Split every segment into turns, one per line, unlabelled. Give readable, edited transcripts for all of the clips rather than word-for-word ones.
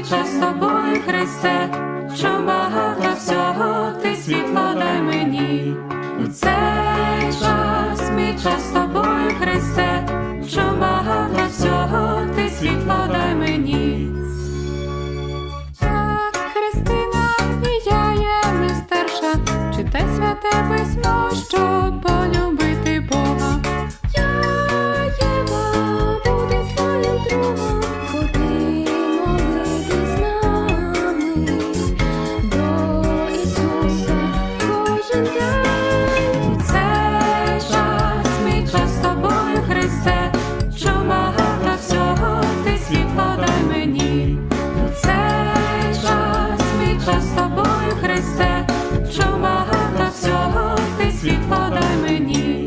час з тобою, Христе, що багато всього, ти світло дай мені. У цей час, мій час з тобою, Христе, що багато всього, ти світло дай мені. Так, Христина, і я є мистерша, читай святе письмо, щоб полюбити Бога. Я, Єва, буду твоїм другом, ходи молитись з нами до Ісуса кожен день. У цей час, мій час з тобою, Христе, що багато всього, ти світло дай мені. У цей час, мій час з тобою, Христе, що багато всього, ти світло дай мені.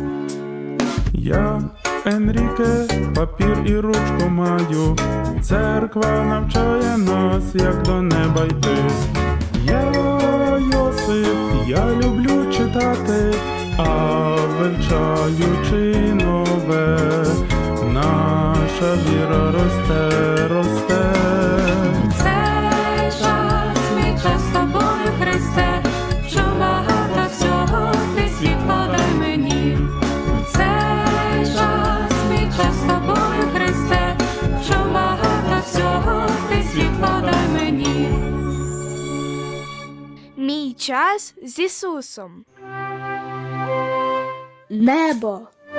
Я, Енріке, папір і ручку маю. Церква навчає нас, як до неба йти. Я, Йосип, я люблю читати, а вивчаючи нове, наша віра росте, росте.
У цей час, мій час з тобою, Христе, що багато всього, ти світло дай мені. У цей час, мій час з тобою, Христе, що багато всього, ти світло дай мені.
Мій час з Ісусом.
Небо.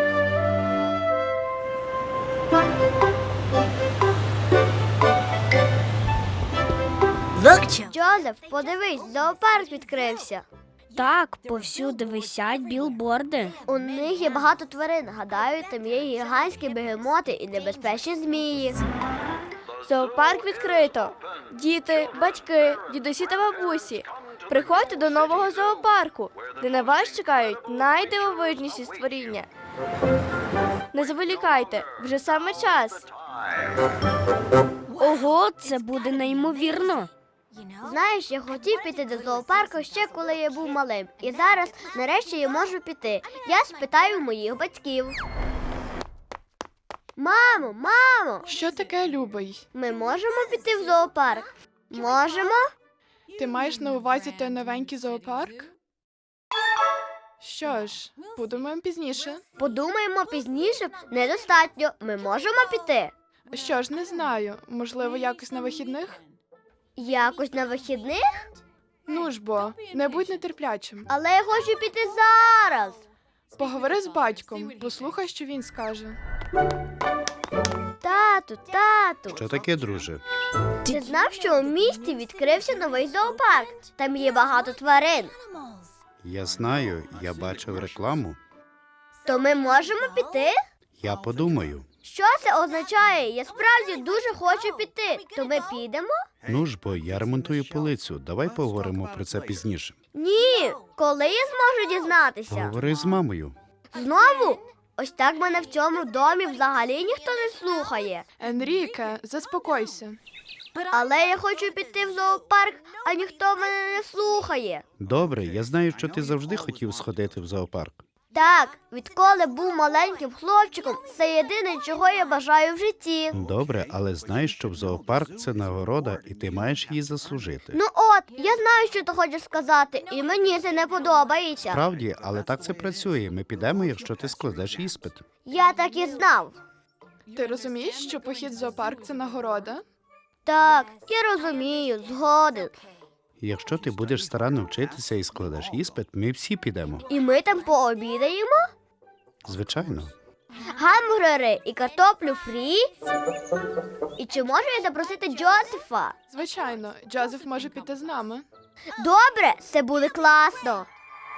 Джозеф, подивись, зоопарк відкрився.
Так, повсюди висять білборди.
У них є багато тварин. Гадаю, там є гігантські бегемоти і небезпечні змії.
Зоопарк відкрито. Діти, батьки, дідусі та бабусі. Приходьте до нового зоопарку, де на вас чекають найдивовижніші створіння. Не заволікайте, вже саме час.
Ого, це буде неймовірно.
Знаєш, я хотів піти до зоопарку ще коли я був малим. І зараз, нарешті, я можу піти. Я спитаю моїх батьків. Мамо, мамо,
Що таке, любий?
ми можемо піти в зоопарк? Можемо?
Ти маєш на увазі той новенький зоопарк? Що ж, подумаємо пізніше.
Подумаємо пізніше, недостатньо. Ми можемо піти.
Що ж, не знаю. Можливо, якось на вихідних?
Якось на вихідних?
Ну ж бо, не будь нетерплячим.
Але я хочу піти зараз.
Поговори з батьком, послухай, що він скаже.
Тату.
Що таке, друже?
Ти знав, що у місті відкрився новий зоопарк? Там є багато тварин.
Я знаю, я бачив рекламу.
То ми можемо піти?
Я подумаю.
Що це означає? Я справді дуже хочу піти. То ми підемо?
Ну ж бо, я ремонтую полицю. Давай поговоримо про це пізніше.
Ні. Коли я зможу дізнатися?
Поговори з мамою.
Знову? Ось так мене в цьому домі взагалі ніхто не слухає.
Енріке, заспокойся.
Але я хочу піти в зоопарк, а ніхто мене не слухає.
Добре, я знаю, що ти завжди хотів сходити в зоопарк.
Так, відколи був маленьким хлопчиком, це єдине, чого я бажаю в житті.
Добре, але знаєш, що в зоопарк це нагорода, і ти маєш її заслужити.
Ну от, я знаю, що ти хочеш сказати, і мені це не подобається.
Справді, але так це працює. Ми підемо, якщо ти складеш іспит.
Я так і знав.
Ти розумієш, що похід в зоопарк – це нагорода?
Так, я розумію, згоден.
Якщо ти будеш старанно вчитися і складеш іспит, ми всі підемо.
І ми там пообідаємо?
Звичайно.
Гамбургери і картоплю фрі? І чи можу я запросити Джозефа?
Звичайно, Джозеф може піти з нами.
Добре, це буде класно.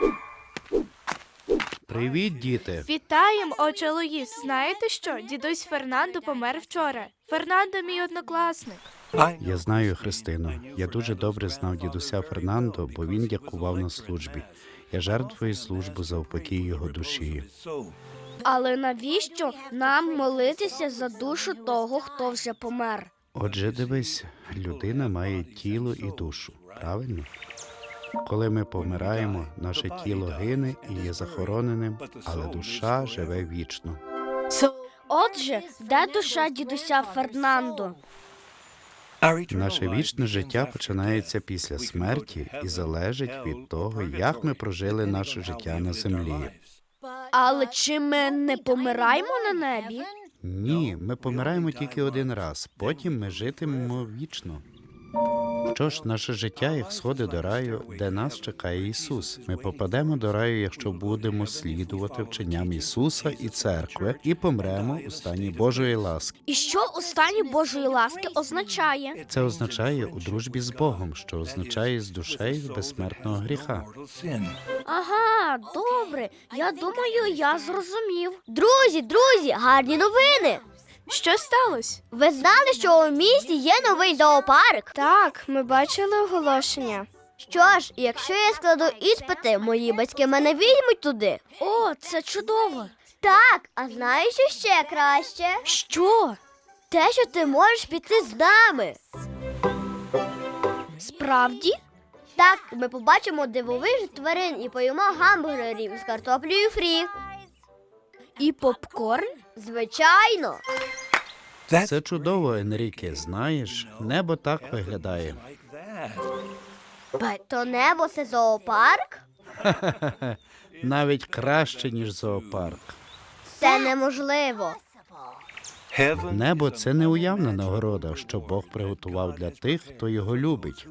Привіт, діти.
Вітаємо, отче Луїс. Знаєте що? Дідусь Фернандо помер вчора. Фернандо – мій однокласник.
Я знаю, Христино. Я дуже добре знав дідуся Фернандо, бо він дякував на службі. Я жертвую службу за упокій його душі.
Але навіщо нам молитися за душу того, хто вже помер?
Отже, дивись, людина має тіло і душу, правильно? Коли ми помираємо, наше тіло гине і є захороненим, але душа живе вічно.
Отже, де душа дідуся Фернандо?
Наше вічне життя починається після смерті і залежить від того, як ми прожили наше життя на землі.
Але чи ми не помираємо на небі?
Ні, ми помираємо тільки один раз, потім ми житимемо вічно. Що ж, наше життя як сходи до раю, де нас чекає Ісус. Ми попадемо до раю, якщо будемо слідувати вченням Ісуса і церкви, і помремо у стані Божої ласки.
І що у стані Божої ласки означає?
Це означає у дружбі з Богом, що означає з душею безсмертного гріха.
Ага, добре. Я думаю, я зрозумів.
Друзі, гарні новини!
Що сталося?
Ви знали, що у місті є новий зоопарк?
Так, ми бачили оголошення.
Що ж, якщо я складу іспити, мої батьки мене візьмуть туди.
О, це чудово.
Так, а знаєш, що ще краще?
Що?
Те, що ти можеш піти з нами.
Справді?
Так, ми побачимо дивовижних тварин і поїмо гамбургерів з картоплею фрі.
І попкорн?
Звичайно.
Це чудово, Енріке. Знаєш, небо так виглядає.
То небо – це зоопарк?
Навіть краще, ніж зоопарк.
Це неможливо.
Небо – це неуявна нагорода, що Бог приготував для тих, хто його любить.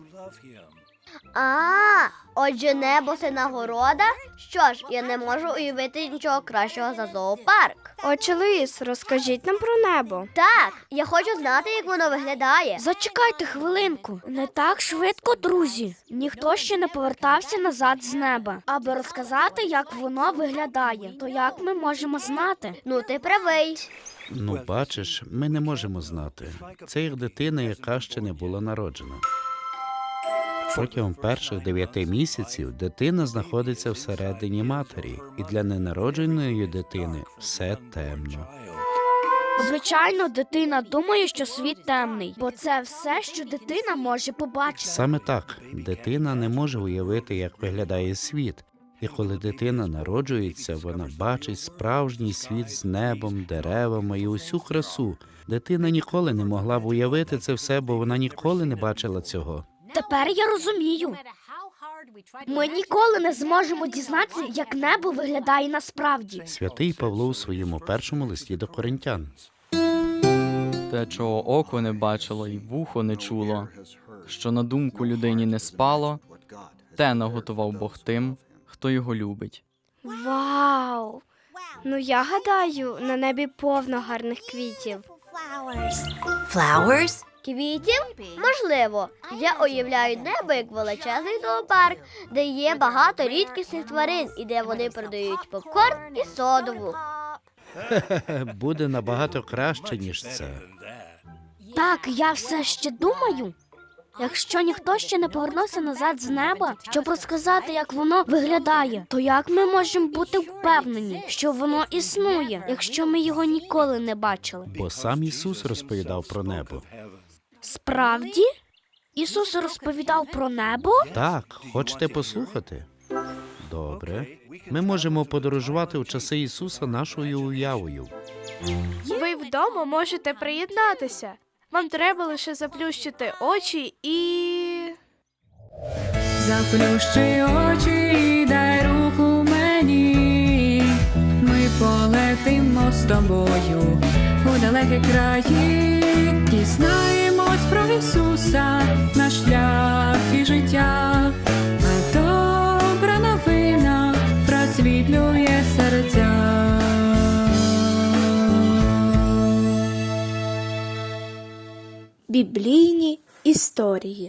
Отже, небо – це нагорода? Що ж, я не можу уявити нічого кращого за зоопарк.
Отче Луїс, розкажіть нам про небо.
Так, я хочу знати, як воно виглядає.
Зачекайте хвилинку. Не так швидко, друзі. Ніхто ще не повертався назад з неба, аби розказати, як воно виглядає. То як ми можемо знати?
Ну, ти правий.
Ну, бачиш, ми не можемо знати. Це як дитина, яка ще не була народжена. Протягом перших 9 місяців дитина знаходиться всередині матері, і для ненародженої дитини все темно.
Звичайно, дитина думає, що світ темний, бо це все, що дитина може побачити.
Саме так, дитина не може уявити, як виглядає світ. І коли дитина народжується, вона бачить справжній світ з небом, деревами і усю красу. Дитина ніколи не могла б уявити це все, бо вона ніколи не бачила цього.
Тепер я розумію. Ми ніколи не зможемо дізнатися, як небо виглядає насправді.
Святий Павло у своєму першому листі до Коринтян.
Те, чого око не бачило і вухо не чуло, що на думку людині не спало, те наготував Бог тим, хто його любить.
Вау! Ну я гадаю, на небі повно гарних квітів.
Квітів? Можливо. Я уявляю небо як величезний зоопарк, де є багато рідкісних тварин і де вони продають попкорн і содову.
Буде набагато краще, ніж це.
Так, я все ще думаю. Якщо ніхто ще не повернувся назад з неба, щоб розказати, як воно виглядає, то як ми можемо бути впевнені, що воно існує, якщо ми його ніколи не бачили?
Бо сам Ісус розповідав про небо.
Справді? Ісус розповідав про небо?
Так, хочете послухати? Добре. Ми можемо подорожувати у часи Ісуса нашою уявою.
Ви вдома можете приєднатися. Вам треба лише заплющити очі і... Заплющи очі і дай руку мені. Ми полетимо з тобою у далекі краї. Дізнаємось про Ісуса, наш шлях і життя. А добра новина просвітлює серця.
Біблійні історії.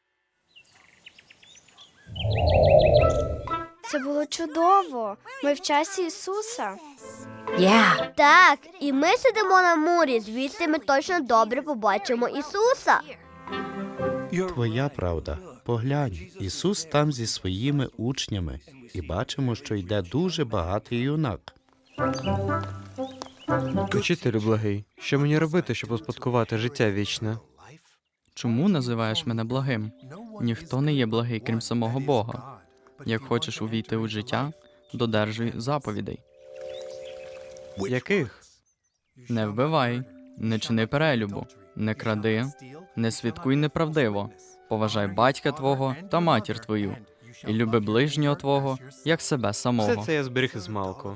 Це було чудово. Ми в часі Ісуса.
Так, і ми сидимо на мурі, звідси ми точно добре побачимо Ісуса.
Твоя правда. Поглянь, Ісус там зі своїми учнями, і бачимо, що йде дуже багатий юнак.
Учителю благий, що мені робити, щоб успадкувати життя вічне?
Чому називаєш мене благим? Ніхто не є благий, крім самого Бога. Як хочеш увійти у життя, додержуй заповідей.
Яких?
Не вбивай, не чини перелюбу, не кради, не свідкуй неправдиво, поважай батька твого та матір твою, і люби ближнього твого, як себе
Все
самого.
це я зберіг із малку.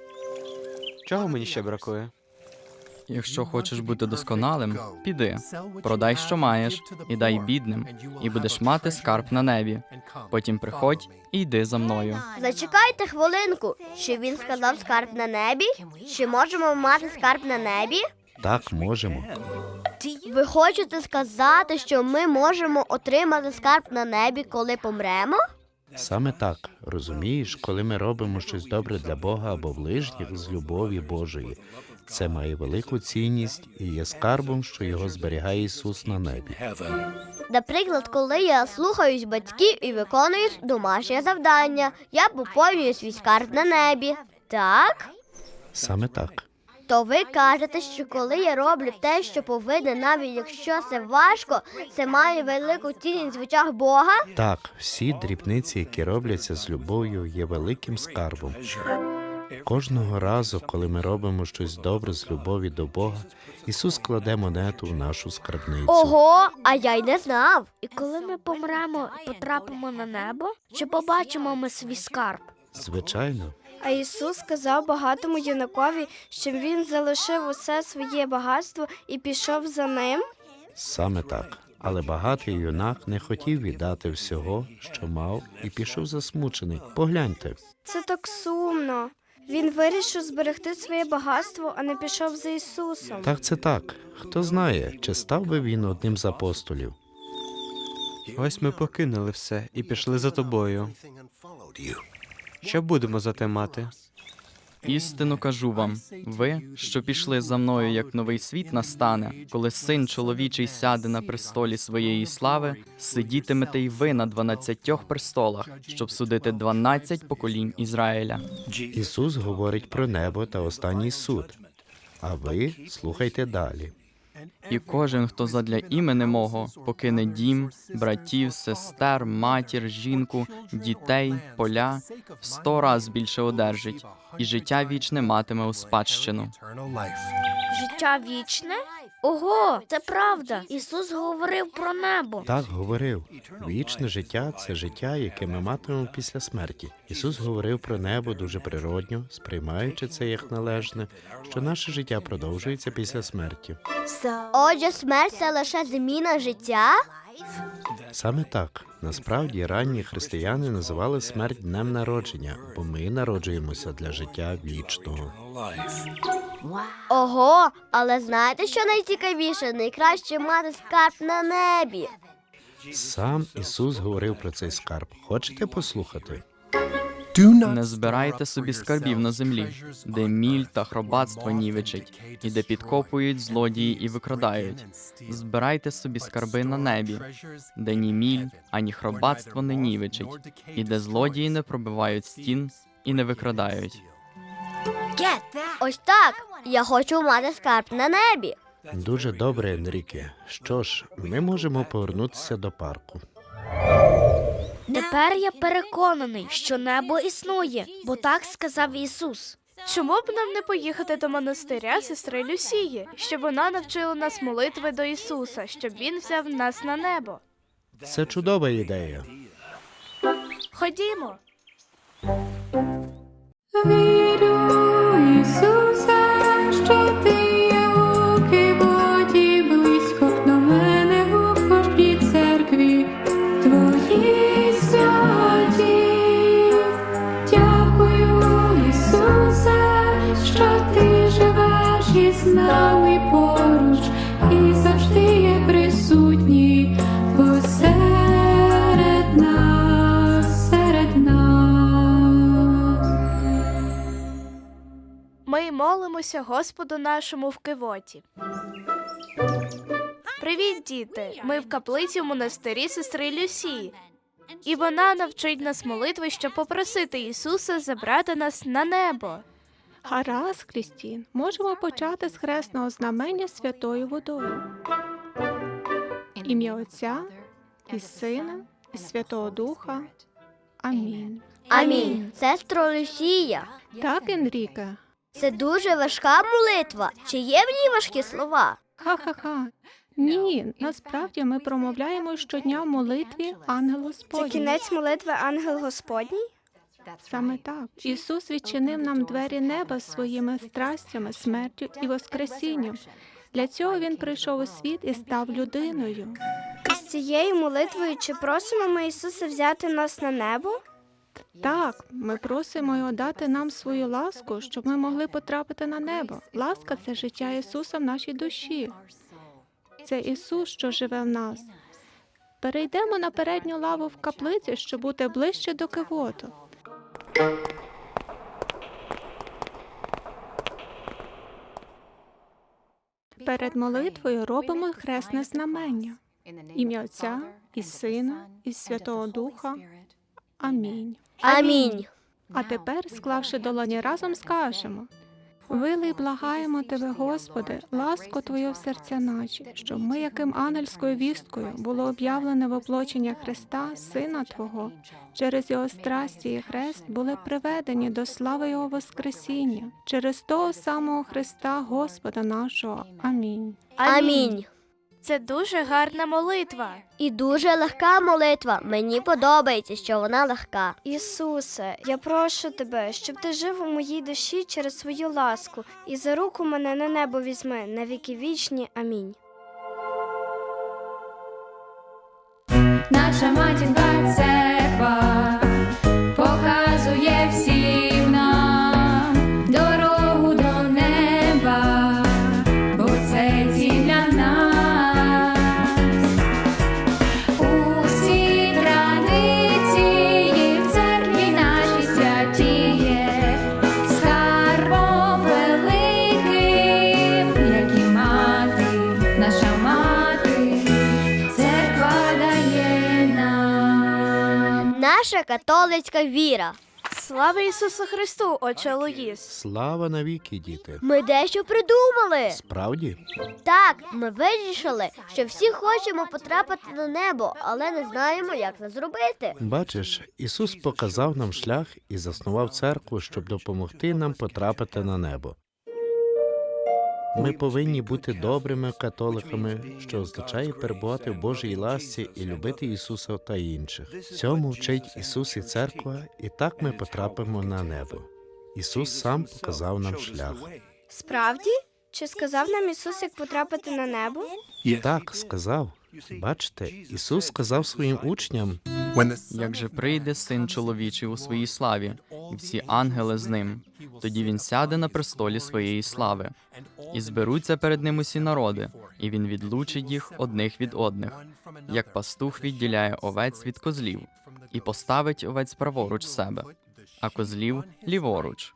Чого мені ще бракує?
Якщо хочеш бути досконалим, піди, продай, що маєш, і дай бідним, і будеш мати скарб на небі. Потім приходь і йди за мною.
Зачекайте хвилинку. Чи він сказав скарб на небі? Чи можемо мати скарб на небі?
Так, можемо.
Ви хочете сказати, що ми можемо отримати скарб на небі, коли помремо?
Саме так. Розумієш, коли ми робимо щось добре для Бога або ближніх з любові Божої, це має велику цінність і є скарбом, що його зберігає Ісус на небі.
Наприклад, коли я слухаюсь батьків і виконую домашнє завдання, я поповнюю свій скарб на небі. Так?
Саме так.
То ви кажете, що коли я роблю те, що повинен, навіть якщо це важко, це має велику цінність в очах Бога?
Так, всі дрібниці, які робляться з любов'ю, є великим скарбом. Кожного разу, коли ми робимо щось добре з любові до Бога, Ісус кладе монету в нашу скарбницю.
Ого, а я й не знав.
І коли ми помремо і потрапимо на небо, чи побачимо ми свій скарб?
Звичайно.
А Ісус сказав багатому юнакові, що він залишив усе своє багатство і пішов за ним.
Саме так. Але багатий юнак не хотів віддати всього, що мав, і пішов засмучений. Погляньте.
Це так сумно. Він вирішив зберегти своє багатство, а не пішов за Ісусом.
Так, це так. Хто знає, чи став би він одним з апостолів?
Ось ми покинули все і пішли за тобою. Що будемо за те мати?
Істину кажу вам, ви, що пішли за мною, як новий світ настане, коли Син чоловічий сяде на престолі своєї слави, сидітимете й ви на 12 престолах, щоб судити 12 поколінь Ізраїля.
Ісус говорить про небо та останній суд. А ви слухайте далі.
І кожен, хто задля імені мого покине дім, братів, сестер, матір, жінку, дітей, поля, 100 раз більше одержить, і життя вічне матиме у спадщину.
Життя вічне? Ого, це правда. Ісус говорив про небо.
Так говорив. Вічне життя – це життя, яке ми матимемо після смерті. Ісус говорив про небо дуже природньо, сприймаючи це як належне, що наше життя продовжується після смерті.
Отже, смерть – це лише зміна життя?
Саме так. Насправді, ранні християни називали смерть днем народження, бо ми народжуємося для життя вічного.
Ого, але знаєте, що найцікавіше? Найкраще мати скарб на небі.
Сам Ісус говорив про цей скарб. Хочете послухати?
Не збирайте собі скарбів на землі, де міль та хробатство нівечать, і де підкопують злодії і викрадають. Збирайте собі скарби на небі, де ні міль, ані хробатство не нівечить, і де злодії не пробивають стін і не викрадають.
Ось так. Я хочу мати скарб на небі.
Дуже добре, Енріке. Що ж, ми можемо повернутися до парку.
Тепер я переконаний, що небо існує, бо так сказав Ісус.
Чому б нам не поїхати до монастиря сестри Люсії, щоб вона навчила нас молитви до Ісуса, щоб Він взяв нас на небо?
Це чудова ідея.
Ходімо.
Вірю, Ісусе, що ти є у Киводі, близько до мене у кожній церкві твої святі. Дякую, Ісусе, що ти живеш із нами поруч і завжди є присутній посеред нас, серед нас.
Ми молимося Господу нашому в Кивоті. Привіт, діти! Ми в каплиці в монастирі сестри Люсії. І вона навчить нас молитви, щоб попросити Ісуса забрати нас на небо.
Гаразд, Крістін, можемо почати з хресного знамення святою водою. Ім'я Отця і Сина, і Святого Духа. Амінь.
Амінь. Сестро Люсія,
Так, Енріке?
це дуже важка молитва. Чи є в ній важкі слова?
Ха-ха-ха. Ні, насправді ми промовляємо щодня в молитві Ангел
Це
Господній.
кінець молитви Ангел Господній?
Саме так. Ісус відчинив нам двері неба своїми страстями, смертю і воскресінням. Для цього Він прийшов у світ і став людиною.
І з цією молитвою чи просимо ми Ісуса взяти нас на небо?
Так, ми просимо Його дати нам свою ласку, щоб ми могли потрапити на небо. Ласка – це життя Ісуса в нашій душі. Це Ісус, що живе в нас. Перейдемо на передню лаву в каплиці, щоб бути ближче до кивоту. Перед молитвою робимо хресне знамення. Ім'я Отця і Сина і Святого Духа. Амінь.
Амінь.
А тепер, склавши долоні разом, скажемо: «Вилий, благаємо Тебе, Господи, ласку Твою в серця наші, щоб ми, яким ангельською вісткою, було об'явлене воплочення Христа, Сина Твого, через Його страсті і хрест були приведені до слави Його Воскресіння, через того самого Христа, Господа нашого. Амінь».
Амінь.
Це дуже гарна молитва.
І дуже легка молитва. Мені подобається, що вона легка.
Ісусе, я прошу Тебе, щоб Ти жив у моїй душі через свою ласку і за руку мене на небо візьми на віки вічні. Амінь.
Наша матінка церква показує всім нам дорогу до неба, бо це ціль для нас. Усі традиції в церкві нашій святіє, скарбом великим, як і мати, наша мати, церква дає нам.
Наша католицька віра.
Слава Ісусу Христу, отче Луїс!
Слава навіки, діти!
Ми дещо придумали.
Справді?
Так, ми вирішили, що всі хочемо потрапити на небо, але не знаємо, як це зробити.
Бачиш, Ісус показав нам шлях і заснував церкву, щоб допомогти нам потрапити на небо. Ми повинні бути добрими католиками, що означає перебувати в Божій ласці і любити Ісуса та інших. Цьому вчить Ісус і церква, і так ми потрапимо на небо. Ісус сам показав нам шлях.
Справді? Чи сказав нам Ісус, як потрапити на небо?
Так, сказав. Бачите, Ісус сказав своїм учням:
Як же прийде Син чоловічий у своїй славі, і всі ангели з ним, тоді він сяде на престолі своєї слави, і зберуться перед ним усі народи, і він відлучить їх одних від одних, як пастух відділяє овець від козлів, і поставить овець праворуч себе, а козлів ліворуч.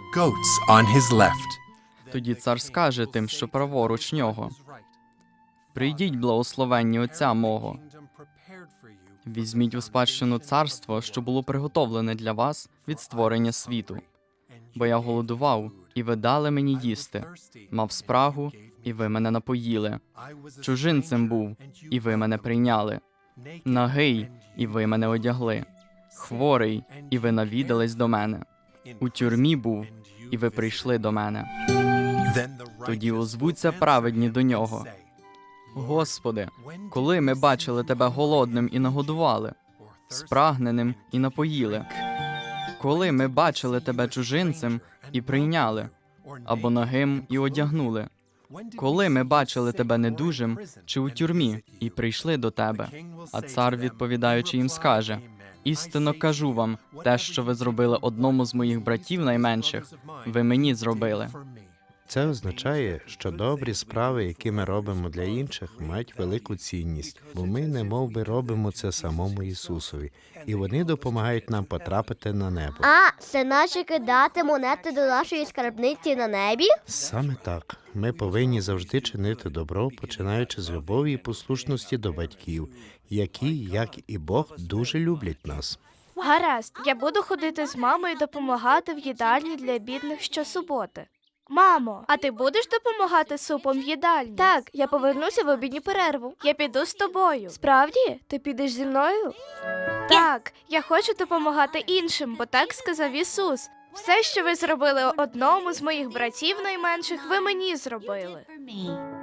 Тоді цар скаже тим, що праворуч нього: «Прийдіть, благословенні Отця мого, візьміть у спадщину царство, що було приготовлене для вас від створення світу. Бо я голодував, і ви дали мені їсти, мав спрагу, і ви мене напоїли, чужинцем був, і ви мене прийняли, нагий, і ви мене одягли, хворий, і ви навідались до мене, у тюрмі був, і ви прийшли до мене». Тоді озвуться праведні до нього: «Господи, коли ми бачили Тебе голодним і нагодували, спрагненим і напоїли? Коли ми бачили Тебе чужинцем і прийняли, або нагим і одягнули? Коли ми бачили Тебе недужим чи у тюрмі і прийшли до Тебе?» А цар, відповідаючи їм, скаже: «Істинно кажу вам, те, що ви зробили одному з моїх братів найменших, ви мені зробили».
Це означає, що добрі справи, які ми робимо для інших, мають велику цінність, бо ми немовби робимо це самому Ісусові, і вони допомагають нам потрапити на небо.
А, це наче кидати монети до нашої скарбниці на небі?
Саме так. Ми повинні завжди чинити добро, починаючи з любові і послушності до батьків, які, як і Бог, дуже люблять нас.
Гаразд, я буду ходити з мамою і допомагати в їдальні для бідних щосуботи. Мамо, а ти будеш допомагати супом в їдальні? Так, я повернуся в обідню перерву. Я піду з тобою. Справді? Ти підеш зі мною? Так, я хочу допомагати іншим, бо так сказав Ісус. Все, що ви зробили одному з моїх братів найменших, ви мені зробили.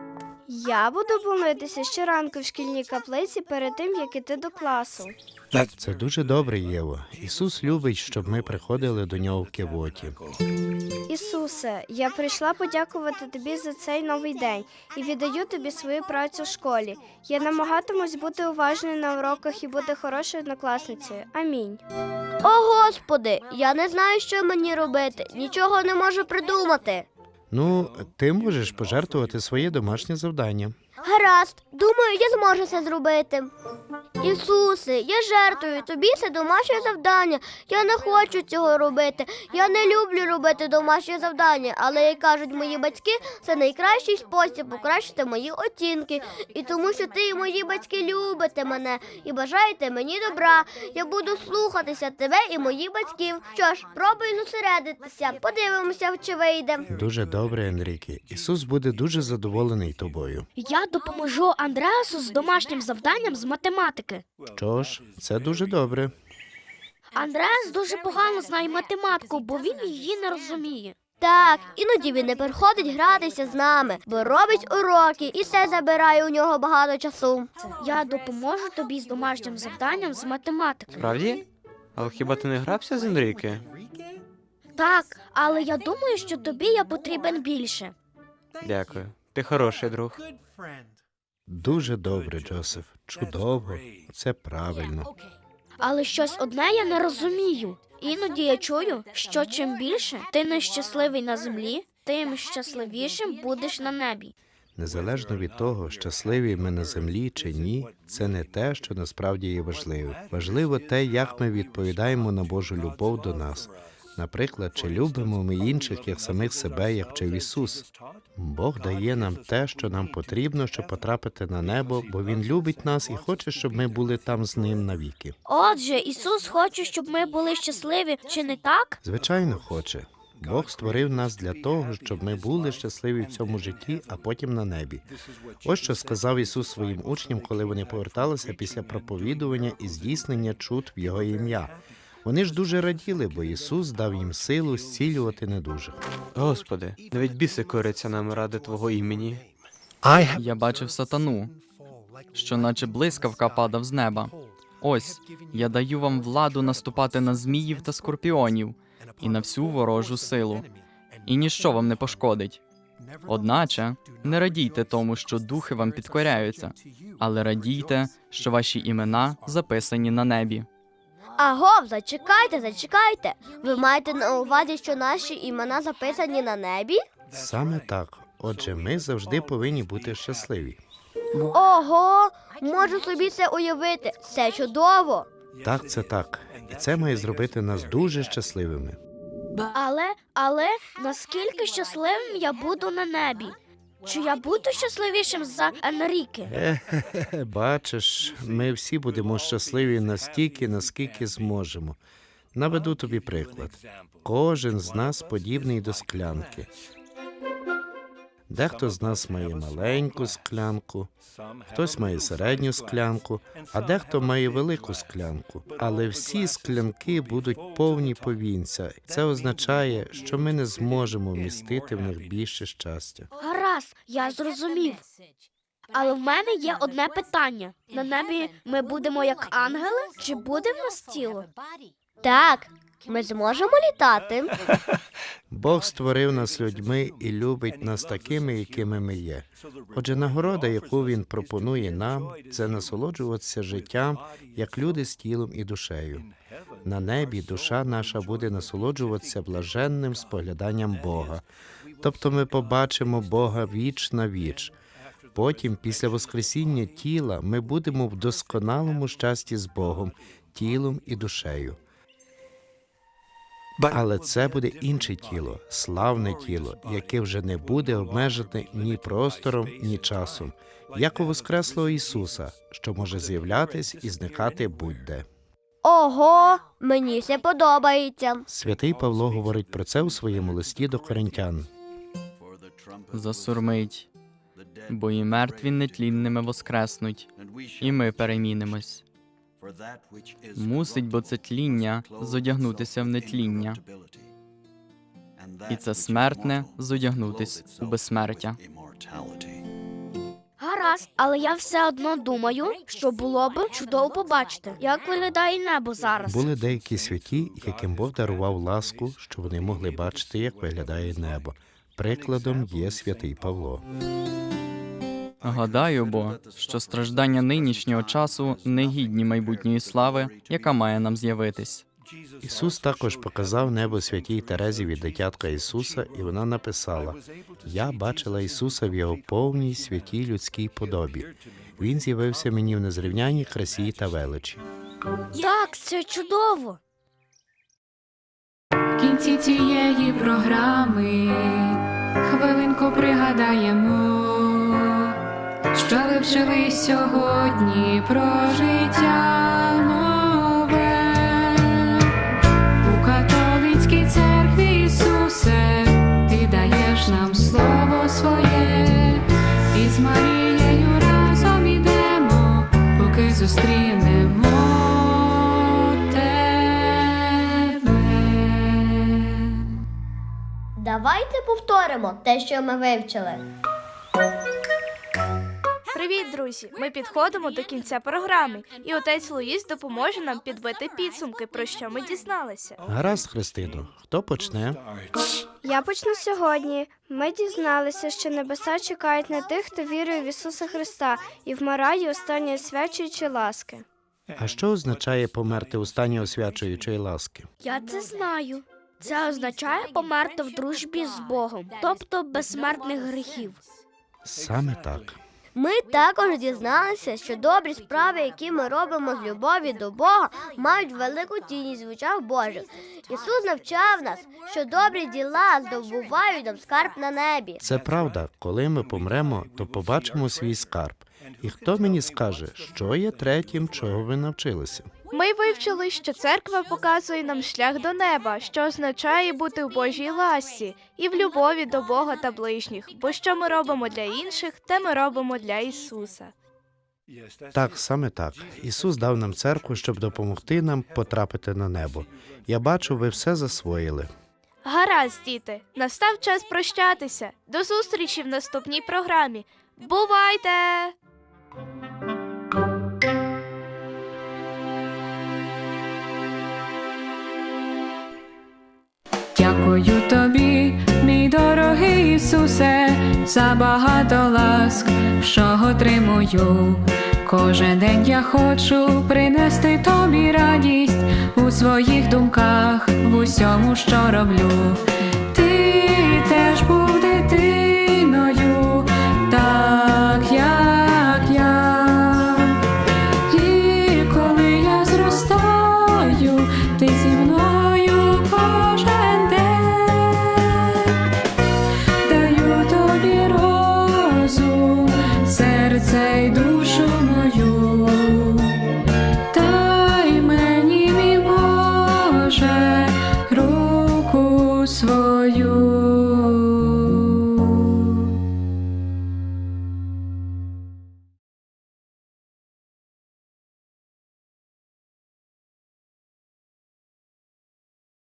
Я буду молитися щоранку в шкільній каплиці перед тим, як іти до класу.
Це дуже добре, Єво. Ісус любить, щоб ми приходили до нього в кивоті.
Ісусе, я прийшла подякувати тобі за цей новий день і віддаю тобі свою працю в школі. Я намагатимусь бути уважною на уроках і бути хорошою однокласницею. Амінь.
О, Господи, я не знаю, що мені робити. Нічого не можу придумати.
Ну, ти можеш пожертвувати своє домашнє завдання.
Гаразд, думаю, я зможу це зробити. Ісусе, я жертвую тобі це домашнє завдання. Я не хочу цього робити. Я не люблю робити домашнє завдання, але, як кажуть мої батьки, це найкращий спосіб покращити мої оцінки. І тому, що ти і мої батьки любите мене і бажаєте мені добра. Я буду слухатися тебе і моїх батьків. Що ж, пробуй зосередитися. Подивимося, чи вийде.
Дуже добре, Енріке. Ісус буде дуже задоволений тобою.
Я допоможу Андреасу з домашнім завданням з математики.
Що ж, це дуже добре.
Андреас дуже погано знає математику, бо він її не розуміє.
Так, іноді він не приходить гратися з нами, бо робить уроки, і це забирає у нього багато часу.
Я допоможу тобі з домашнім завданням з математики.
Справді? Але хіба ти не грався з Енріке?
Так, але я думаю, що тобі я потрібен більше.
Дякую. Ти хороший друг.
Дуже добре, Джосеф. Чудово. Це правильно.
Але щось одне я не розумію. Іноді я чую, що чим більше ти нещасливий на землі, тим щасливішим будеш на небі.
Незалежно від того, щасливі ми на землі чи ні, це не те, що насправді є важливо. Важливо те, як ми відповідаємо на Божу любов до нас. Наприклад, чи любимо ми інших, як самих себе, як вчив Ісус. Бог дає нам те, що нам потрібно, щоб потрапити на небо, бо Він любить нас і хоче, щоб ми були там з Ним навіки.
Отже, Ісус хоче, щоб ми були щасливі, чи не так?
Звичайно, хоче. Бог створив нас для того, щоб ми були щасливі в цьому житті, а потім на небі. Ось що сказав Ісус своїм учням, коли вони поверталися після проповідування і здійснення чуд в Його ім'я. Вони ж дуже раділи, бо Ісус дав їм силу зцілювати недужих.
Господи, навіть біси коряться нам ради Твого імені.
Я бачив сатану, що наче блискавка падав з неба. Ось, я даю вам владу наступати на зміїв та скорпіонів і на всю ворожу силу, і ніщо вам не пошкодить. Одначе, не радійте тому, що духи вам підкоряються, але радійте, що ваші імена записані на небі.
Агов, зачекайте. Ви маєте на увазі, що наші імена записані на небі?
Саме так. Отже, ми завжди повинні бути щасливі.
Ого, можу собі це уявити. Це чудово.
Так, це так. І це має зробити нас дуже щасливими.
Але наскільки щасливим я буду на небі? Чи я буду щасливішим за Енріке?
Бачиш, ми всі будемо щасливі настільки, наскільки зможемо. Наведу тобі приклад. Кожен з нас подібний до склянки. Дехто з нас має маленьку склянку, хтось має середню склянку, а дехто має велику склянку. Але всі склянки будуть повні повінця. Це означає, що ми не зможемо вмістити в них більше щастя.
Гаразд, я зрозумів. Але в мене є одне питання. На небі ми будемо як ангели, чи буде в нас тіло?
Так, ми зможемо літати.
Бог створив нас людьми і любить нас такими, якими ми є. Отже, нагорода, яку Він пропонує нам, це насолоджуватися життям, як люди з тілом і душею. На небі душа наша буде насолоджуватися блаженним спогляданням Бога. Тобто ми побачимо Бога віч на віч. Потім, після воскресіння тіла, ми будемо в досконалому щасті з Богом, тілом і душею. Але це буде інше тіло, славне тіло, яке вже не буде обмежене ні простором, ні часом, як у воскреслого Ісуса, що може з'являтись і зникати будь-де.
Ого, мені це подобається.
Святий Павло говорить про це у своєму листі до Коринтян.
Засурмить, бо і мертві нетлінними воскреснуть, і ми перемінимось. Мусить, бо це тління зодягнутися в нетління, і це смертне зодягнутись у безсмертя.
Гаразд, але я все одно думаю, що було б чудово побачити, як виглядає небо зараз.
Були деякі святі, яким Бог дарував ласку, що вони могли бачити, як виглядає небо. Прикладом є святий Павло.
Гадаю, бо, що страждання нинішнього часу не гідні майбутньої слави, яка має нам з'явитись.
Ісус також показав небо святій Терезі від дитятка Ісуса, і вона написала: «Я бачила Ісуса в Його повній святій людській подобі. Він з'явився мені в незрівняній красі та величі».
Так, це чудово.
В кінці цієї програми хвилинку пригадаємо, що ви вчили сьогодні про життя нове. У католицькій церкві, Ісусе, ти даєш нам слово своє, і з Марією разом ідемо, поки зустрінемо тебе.
Давайте повторимо те, що ми вивчили.
Привіт, друзі! Ми підходимо до кінця програми, і отець Луїс допоможе нам підбити підсумки, про що ми дізналися.
Гаразд, Христино, хто почне?
Я почну сьогодні. Ми дізналися, що небеса чекають на тих, хто вірує в Ісуса Христа і вмирає у стані освячуючої ласки.
А що означає померти у стані освячуючої ласки?
Я це знаю. Це означає померти в дружбі з Богом, тобто без смертних гріхів.
Саме так.
Ми також дізналися, що добрі справи, які ми робимо з любові до Бога, мають велику цінність в очах Божих. Ісус навчав нас, що добрі діла здобувають нам скарб на небі.
Це правда. Коли ми помремо, то побачимо свій скарб. І хто мені скаже, що є третім, чого ви навчилися?
Ми вивчили, що церква показує нам шлях до неба, що означає бути в Божій ласці і в любові до Бога та ближніх, бо що ми робимо для інших, те ми робимо для Ісуса.
Так, саме так. Ісус дав нам церкву, щоб допомогти нам потрапити на небо. Я бачу, ви все засвоїли.
Гаразд, діти, настав час прощатися. До зустрічі в наступній програмі. Бувайте!
Дякую тобі, мій дорогий Ісусе, за багато ласк, що отримую. Кожен день я хочу принести тобі радість у своїх думках, в усьому, що роблю. Ти теж був дитиною, так як я. І коли я зростаю, ти зі мною кожен день. Даю тобі розум, серце й душу.